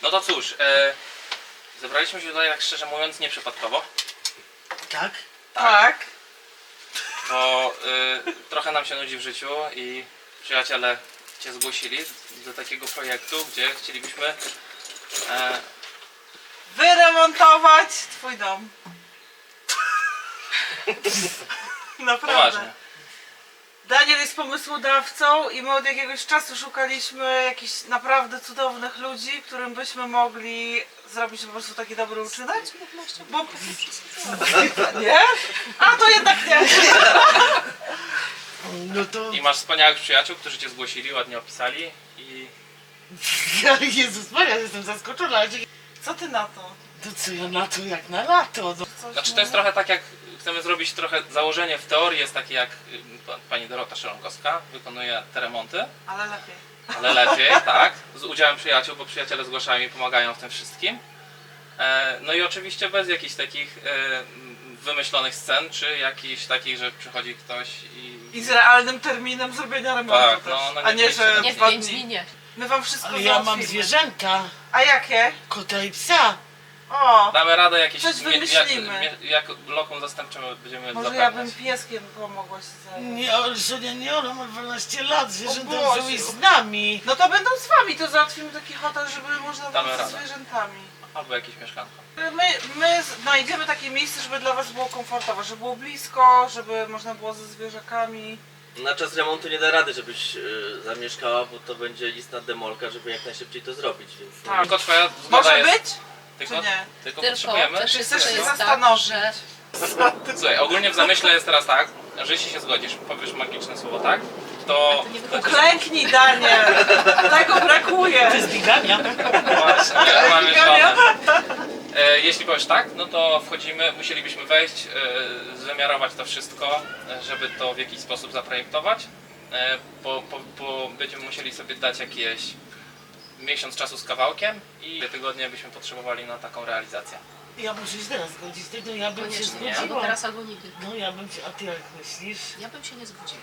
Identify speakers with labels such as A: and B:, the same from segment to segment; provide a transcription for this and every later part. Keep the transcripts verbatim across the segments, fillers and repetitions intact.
A: No to cóż, e, zebraliśmy się tutaj tak szczerze mówiąc nieprzypadkowo.
B: Tak?
C: Tak.
A: Bo y, trochę nam się nudzi w życiu i przyjaciele Cię zgłosili do takiego projektu, gdzie chcielibyśmy e,
C: Wyremontować twój dom. Naprawdę.
A: poważnie.
C: Daniel jest pomysłodawcą i my od jakiegoś czasu szukaliśmy jakichś naprawdę cudownych ludzi, którym byśmy mogli zrobić po prostu taki dobry uczynek. Bo... Nie? A to jednak nie.
B: No to...
A: I masz wspaniałych przyjaciół, którzy Cię zgłosili, ładnie opisali i
B: Jezus Maria, jestem zaskoczona. ale dzięki-
C: Co ty na to?
B: To co ja na to jak na lato? No.
C: Coś
A: znaczy to jest trochę tak jak chcemy zrobić trochę założenie w teorii jest takie jak y, pa- pani Dorota Szelonkowska wykonuje te remonty,
C: Ale lepiej.
A: ale lepiej, tak, z udziałem przyjaciół, bo przyjaciele zgłaszają i pomagają w tym wszystkim. E, no i oczywiście bez jakichś takich e, wymyślonych scen, czy jakichś takich, że przychodzi ktoś i...
C: I z realnym terminem zrobienia remontu
A: Tak,
C: też.
A: no, no
C: A nie, że
A: nie
D: w
C: dwa
D: pięć
C: dni.
D: dni nie.
C: My wam wszystko
B: Ale ja mam
C: załatwimy.
B: zwierzęta,
C: A jakie?
B: kota i psa.
C: O!
A: Damy radę jakieś...
C: Coś
A: mie- jak,
C: wymyślimy.
A: mie- jak lokum zastępcze będziemy
C: Może ja
A: zapewniać.
C: bym pieskiem pomogła się zająć.
B: Nie, ale Sonia, nie, ona ma dwanaście lat, zwierzęta
C: Boże.
B: są i z nami.
C: No to będą z wami, to załatwimy taki hotel, żeby można
A: Damy
C: było ze
A: radę.
C: zwierzętami.
A: Albo jakieś mieszkanko.
C: My, my znajdziemy takie miejsce, żeby dla was było komfortowo, żeby było blisko, żeby można było ze zwierzakami.
E: Na czas remontu nie da rady, żebyś y, zamieszkała, bo to będzie istna demolka, żeby jak najszybciej to zrobić, więc... no,
C: Tak.
A: Tylko twoja zgoda
C: Może
A: jest...
C: być?
A: Tylko,
C: czy nie?
A: tylko
D: Tylko
A: potrzebujemy...
D: też
C: Czy
D: jest,
C: chcesz
D: to
C: się
D: jest tak,
C: zastanowić?
D: że
A: Słuchaj, ogólnie w zamyśle jest teraz tak, że jeśli się zgodzisz, powiesz magiczne słowo tak, to...
D: to nie wychodzi.
C: Klęknij, Daniel! Tego brakuje!
B: To jest bigania.
A: Właśnie, mamy żonę. E, jeśli powiesz tak, no to wchodzimy, musielibyśmy wejść, e, wymiarować to wszystko, e, żeby to w jakiś sposób zaprojektować. E, bo, bo, bo będziemy musieli sobie dać jakieś miesiąc czasu z kawałkiem i dwie tygodnie byśmy potrzebowali na taką realizację.
B: Ja muszę się teraz zgodzić, tego ja bym się
D: Koniecznie,
A: Nie?
D: albo
B: zgodziła.
D: teraz, albo nigdy.
B: No ja bym się, a ty jak myślisz?
D: Ja bym się nie zgodziła.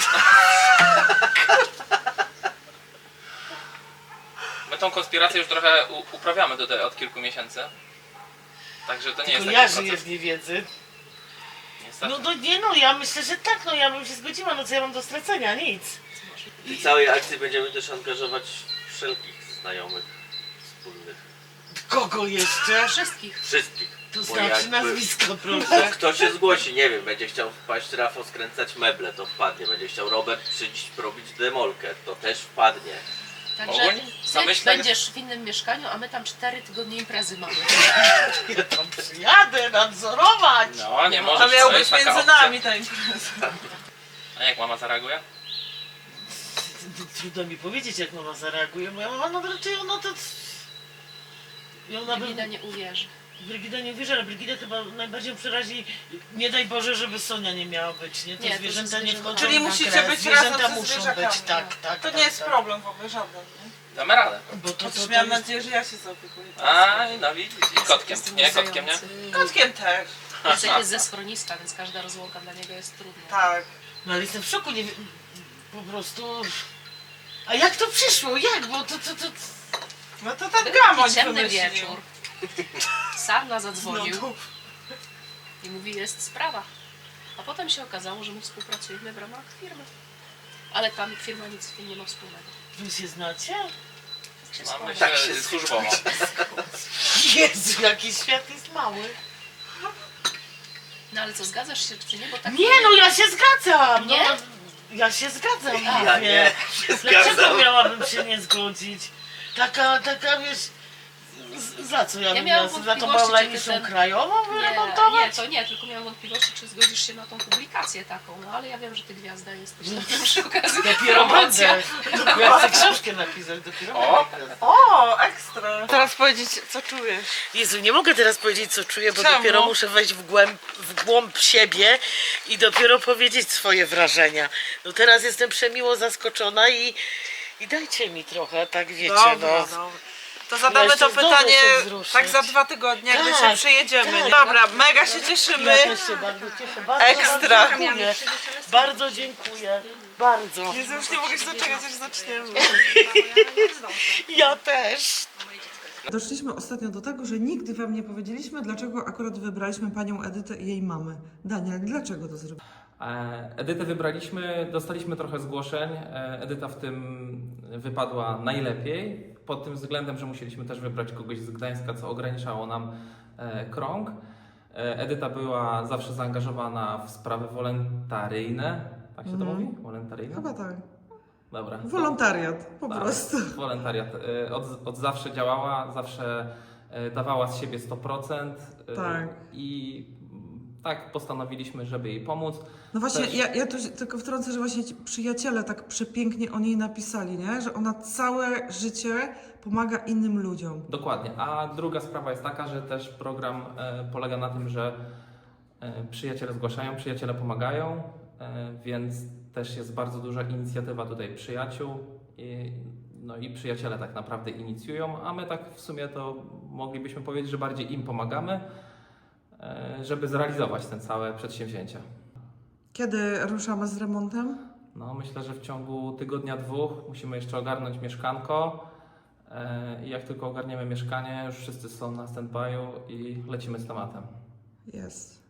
A: My tą konspirację już trochę u, uprawiamy tutaj od kilku miesięcy. Także to nie
B: Tylko
A: jest
B: ja
A: taki
B: żyję
A: proces.
B: w niewiedzy.
A: Niestety.
B: No, no nie no, ja myślę, że tak, no ja bym się zgodziła, no co ja mam do stracenia, nic.
E: W tej całej akcji będziemy też angażować wszelkich znajomych, wspólnych,
B: Kogo jeszcze?
D: Wszystkich.
E: wszystkich.
B: To
E: Bo
B: znaczy
E: jakby-
B: nazwisko,
E: Bo
B: proszę.
E: kto się zgłosi, nie wiem, będzie chciał wpaść Rafał skręcać meble, to wpadnie. Będzie chciał Robert przyjść robić demolkę, to też wpadnie.
D: Także
A: Ogólnie
D: ty
A: zamyślę-
D: będziesz w innym mieszkaniu, a my tam cztery tygodnie imprezy mamy.
B: Ja tam przyjadę nadzorować.
A: No, nie
C: A
A: możesz,
C: miał
A: to
C: być
A: jest taka
C: między
A: opcja.
C: nami ta impreza.
A: A jak mama zareaguje?
B: Trudno mi powiedzieć, jak mama zareaguje. Moja mama, no raczej ona to... I ona by...
D: Brygida nie uwierzy.
B: Brygida nie wierzy, ale Brygida chyba najbardziej przerazi, nie daj Boże, żeby Sonia nie miała być, nie? To
D: Nie, to
B: zwierzęta
D: ze
B: nie
D: zwierzętami.
B: wchodzą
C: Czyli
B: na
C: musicie
B: grę.
C: być
B: Zwierzęta
C: razem ze
B: muszą
C: zwierzakami.
B: być, tak,
C: no.
B: tak.
C: To
B: tak,
C: nie jest
B: tak.
C: problem w ogóle żaden, nie?
A: Damy radę.
B: Bo to, to,
C: Chociaż
B: to
C: miałam
B: jest...
C: nadzieję, że ja się zaopiekuję.
A: A, no widzisz. I kotkiem.
D: Jest
A: Nie, kotkiem, nie?
D: muzujący.
C: Kotkiem też.
D: Jacek jest ze schroniska, więc każda rozłąka dla niego jest trudna.
C: Tak.
B: No ale jestem w szoku, nie wiem, po prostu... A jak to przyszło? Jak? Bo to, to, to...
C: No to ten
D: Był
C: gamoń
D: taki ciemny
C: wymyślił.
D: wieczór. Sarna zadzwonił
C: No to-
D: i mówi, jest sprawa. A potem się okazało, że my współpracujemy w ramach firmy. Ale tam firma nic z tym nie ma wspólnego.
B: Wy się znacie?
D: Tak się
A: Mamy
D: składa.
A: się
E: się
A: służbowo.
B: Jezu, jaki świat jest mały.
D: No ale co, zgadzasz się czy nie? Bo tak
B: Nie no, ja się zgadzam!
D: Nie?
B: No, ja się zgadzam,
D: A,
E: Ja
B: mówię.
E: nie, się
B: Dlaczego
E: zgadzam.
B: miałabym się nie zgodzić? Taka, taka wiesz... z- Za co ja,
D: Ja
B: bym
D: miałam
B: miała? Za tą
D: wątpliwości,
B: Paulaniszą
D: czy ty ten-
B: krajową
D: Nie, nie,
B: wyremontować?
D: to nie, tylko miałam wątpliwości, czy zgodzisz się na tą publikację taką, no ale ja wiem, że ty gwiazda jesteś, to przy okazji
B: Dopiero
D: promocja.
B: będę. Ja chcę książkę napisać, dopiero
A: O!
B: będę.
C: O, ekstra. Teraz powiedzieć, co czujesz.
B: Jezu, nie mogę teraz powiedzieć, co czuję, bo
C: Czemu?
B: dopiero muszę wejść w głęb, w głąb siebie i dopiero powiedzieć swoje wrażenia. No teraz jestem przemiło zaskoczona i, i dajcie mi trochę, tak wiecie,
C: Dobra,
B: no.
C: dobra. To zadamy
B: jeszcze
C: to
B: zdążę
C: pytanie
B: się wzruszyć.
C: tak za dwa tygodnie, jak my
B: Tak,
C: się przyjedziemy.
B: tak.
C: Dobra, mega się cieszymy.
B: Ja też się bardzo cieszę, bardzo
C: Ekstra.
B: bardzo dziękuję. Bardzo dziękuję, bardzo.
C: Jezu, już nie mogę się doczekać, aż zaczniemy.
B: Ja też.
C: Doszliśmy ostatnio do tego, że nigdy wam nie powiedzieliśmy, dlaczego akurat wybraliśmy panią Edytę i jej mamę. Daniel, dlaczego to zrobiliśmy?
A: E, Edytę wybraliśmy, dostaliśmy trochę zgłoszeń. E, Edyta w tym wypadła najlepiej, pod tym względem, że musieliśmy też wybrać kogoś z Gdańska, co ograniczało nam e, krąg. E, Edyta była zawsze zaangażowana w sprawy wolontaryjne, tak się to
C: Mhm.
A: mówi? Wolontaryjne?
C: Chyba tak.
A: Dobra.
C: Wolontariat, po
A: Tak,
C: prostu.
A: Wolontariat. E, Od, od zawsze działała, zawsze e, dawała z siebie sto procent. e,
C: Tak.
A: I mm, tak postanowiliśmy, żeby jej pomóc.
C: No właśnie,
A: Też-
C: ja, ja tu się tylko wtrącę, że właśnie ci przyjaciele tak przepięknie o niej napisali, nie? Że ona całe życie pomaga innym ludziom.
A: Dokładnie. A druga sprawa jest taka, że też program e, polega na tym, że e, przyjaciele zgłaszają, przyjaciele pomagają, e, więc też jest bardzo duża inicjatywa tutaj przyjaciół. I, no i przyjaciele tak naprawdę inicjują, a my tak w sumie to moglibyśmy powiedzieć, że bardziej im pomagamy, e, żeby zrealizować te całe przedsięwzięcia.
C: Kiedy ruszamy z remontem?
A: No, myślę, że w ciągu tygodnia, dwóch musimy jeszcze ogarnąć mieszkanko. E, I jak tylko ogarniemy mieszkanie, już wszyscy są na stand-by'u i lecimy z tematem.
C: Jest.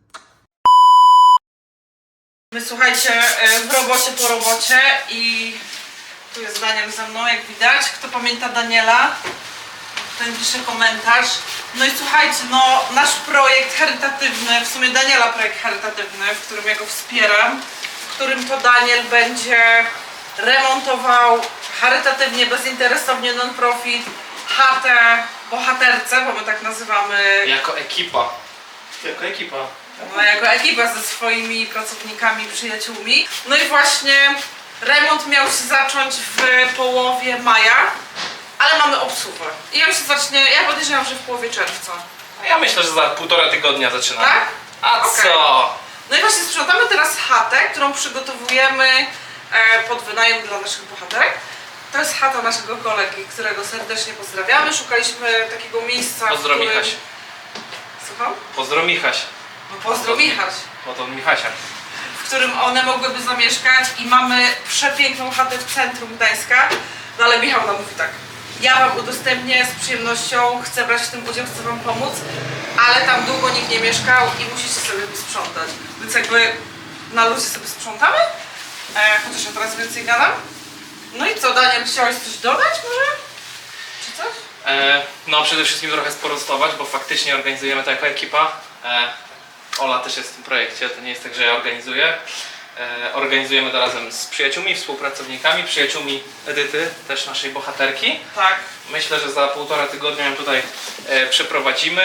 C: My słuchajcie, e, w robocie po robocie i tu jest Daniel ze mną, jak widać. Kto pamięta Daniela, ten pisze komentarz. No i słuchajcie, no nasz projekt charytatywny, w sumie Daniela projekt charytatywny, w którym ja go wspieram, w którym to Daniel będzie remontował charytatywnie, bezinteresownie, non-profit chatę bohaterce, bo my tak nazywamy,
A: Jako ekipa. Jako ekipa.
C: no, jako ekipa ze swoimi pracownikami, przyjaciółmi. No i właśnie remont miał się zacząć w połowie maja, ale mamy obsługę. I on się zacznie, ja podejrzewam, że w połowie czerwca.
A: A ja myślę, że za półtora tygodnia zaczynamy.
C: Tak?
A: A
C: Okej.
A: co?
C: No i właśnie sprzątamy teraz chatę, którą przygotowujemy e, pod wynajem dla naszych bohaterek. To jest chata naszego kolegi, którego serdecznie pozdrawiamy. Szukaliśmy takiego miejsca,
A: Pozdro
C: w którym...
A: Michaś.
C: Słucham?
A: Pozdro Michaś.
C: No pozdro Michaś.
A: Bo to Michasia.
C: W którym one mogłyby zamieszkać i mamy przepiękną chatę w centrum Gdańska. No ale Michał nam mówi tak, ja wam udostępnię z przyjemnością, chcę brać w tym udział, chcę wam pomóc, ale tam długo nikt nie mieszkał i musicie sobie sprzątać. Więc jakby na luzie sobie sprzątamy, e, chociaż ja teraz więcej gadam. No i co, Daniel, chciałeś coś dodać może? Czy coś?
A: E, no przede wszystkim trochę sprostować, bo faktycznie organizujemy to jako ekipa. E, Ola też jest w tym projekcie, to nie jest tak, że ja organizuję. E, organizujemy to razem z przyjaciółmi, współpracownikami, przyjaciółmi Edyty, też naszej bohaterki.
C: Tak.
A: Myślę, że za półtora tygodnia ją tutaj e, przeprowadzimy.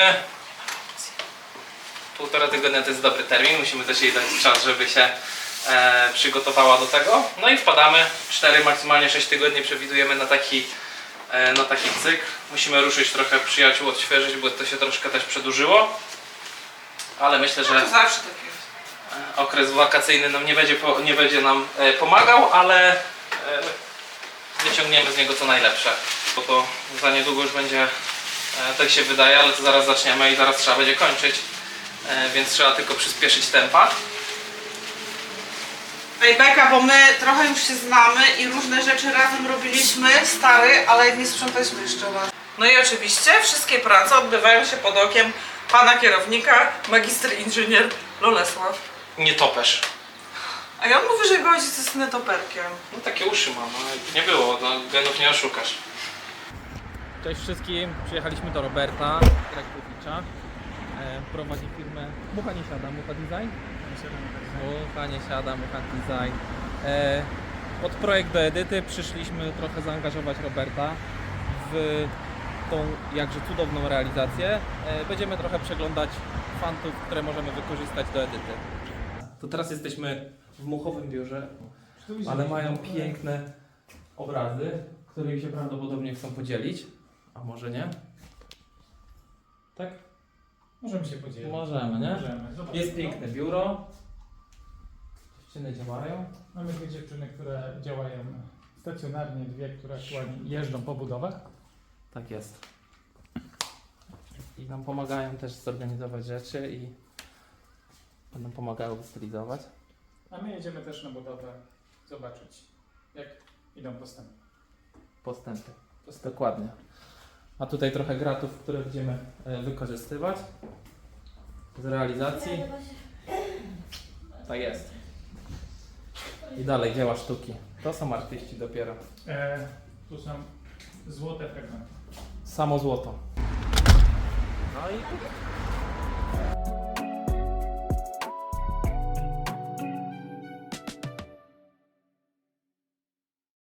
A: Półtora tygodnia to jest dobry termin, musimy też jej dać czas, żeby się e, przygotowała do tego. No i wpadamy, cztery, maksymalnie sześć tygodni przewidujemy na taki, e, na taki cykl. Musimy ruszyć trochę przyjaciół, odświeżyć, bo to się troszkę też przedłużyło. Ale myślę, że
C: To zawsze tak jest.
A: e, okres wakacyjny nam nie będzie, po, nie będzie nam e, pomagał, ale e, wyciągniemy z niego co najlepsze. Bo to za niedługo już będzie, e, tak się wydaje, ale to zaraz zaczniemy i zaraz trzeba będzie kończyć. E, więc trzeba tylko przyspieszyć tempa.
C: Ej Beka, bo my trochę już się znamy i różne rzeczy razem robiliśmy, stary, ale nie sprzątaliśmy jeszcze raz. No i oczywiście wszystkie prace odbywają się pod okiem pana kierownika, magister inżynier Lolesław.
A: Nie topesz.
C: A ja on mówi, że jego ojciec jest netoperkiem.
A: No takie uszy mam, ale nie było, no, genów nie oszukasz. Cześć wszystkim, przyjechaliśmy do Roberta Krakowicza. E, prowadzi firmę Mucha nie siada, Mucha Design? Mucha nie siada, Mucha Design. E, pod projekt do Edyty przyszliśmy trochę zaangażować Roberta w tą jakże cudowną realizację. E, będziemy trochę przeglądać fantów, które możemy wykorzystać do Edyty. To teraz jesteśmy w muchowym biurze, ale mają piękne obrazy, którymi się prawdopodobnie chcą podzielić. A może nie? Tak?
F: Możemy się podzielić.
A: Możemy, nie?
F: Możemy. Zobacz,
A: Jest
F: no.
A: piękne biuro. Dziewczyny działają.
F: Mamy dwie dziewczyny, które działają stacjonarnie, dwie, które aktualnie jeżdżą po budowach.
A: Tak jest. I nam pomagają też zorganizować rzeczy i będą pomagały stylizować.
F: A my jedziemy też na budowę zobaczyć, jak idą postępy.
A: Postępy.
F: postępy.
A: Dokładnie.
F: A tutaj trochę gratów, które będziemy e, wykorzystywać z realizacji. Tak jest. I dalej dzieła sztuki. To są artyści dopiero.
G: E, tu są złote fragmenty.
F: Samo złoto. No i